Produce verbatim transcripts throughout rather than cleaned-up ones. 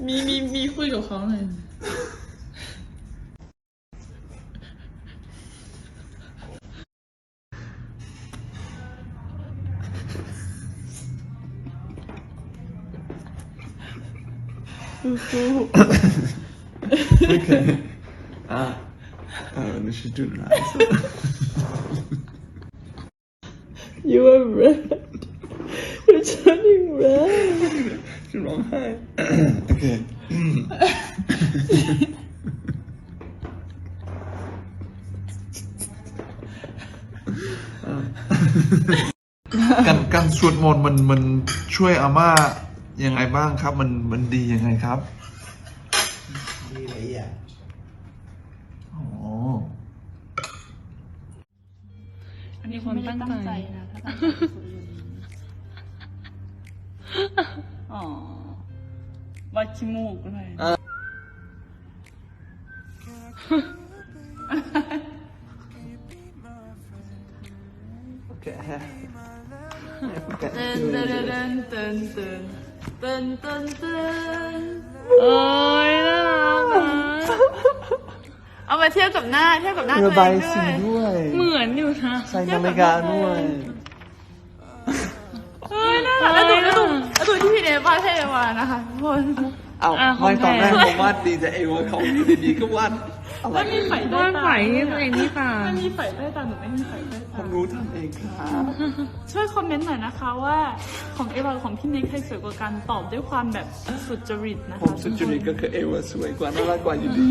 มีมีมีคุยกับเขาหน่อย Okay. Ah, uh, das ist du leise. You are red. You're turning red. ฉันร้องไห้โอเคการการสวดมนต์มันมันช่วยอาม่ายังไงบ้างครับมันมันดียังไงครับดีหลายอย่างอ๋ออันนี้คนตั้งใจนะถ้าตั้งใจอ๋อวัดขี้มูกเลยโอเคเต้นเต้นเต้นเต้นเต้นเต้นเต้นเต้นโอ้ยน่ารักนะเอามาเทียบกับหน้าเทียบกับหน้าตัวเองด้วยเหมือนอยู่นะใส่นาฬิกาด้วยเฮ้ยน่ารักแล้วดูแล้วดูแล้วดูที่พี่เนวาดให้มานะคะทุกคนเอาไม่ตอนแรกผมวาดดีแต่เอว่าเขาดีๆก็วาดไม่มีไฝใต้ตาไฝตัวเองนี่ค่ะไม่มีไฝใต้ตาหนูไม่มีไฝใต้ตาผมรู้ทำเองครับช่วยคอมเมนต์หน่อยนะคะว่าของเอวาของพี่เนคใครสวยกว่ากันตอบด้วยความแบบสุจริตนะคะผมสุจริตก็คือเอวาสวยกว่าน่ารักกว่าอยู่ดี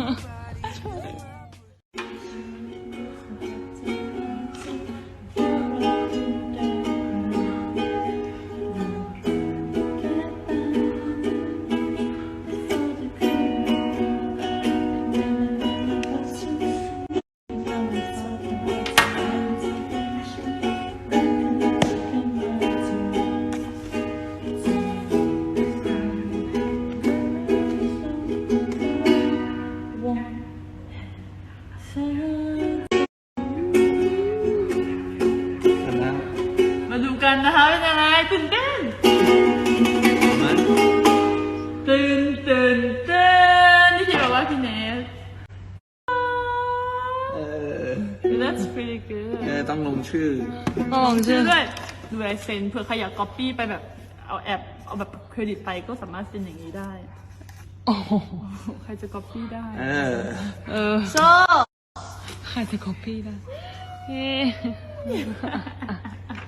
มาดูกันนะคะเป็นยังไงตื่นเต้นตื่นตื่นเต้นนี่ที่บอกว่าพี่เนสเออ That's pretty good เออต้องลงชื่อลงชื่อด้วยดูลายเซ็นเผื่อใครอยาก copy ไปแบบเอาแอปเอาแบบเครดิตไปก็สามารถเซ็นอย่างนี้ได้โอ้ใครจะ copy ได้เออเออโชใครจะ copy ได้เฮ้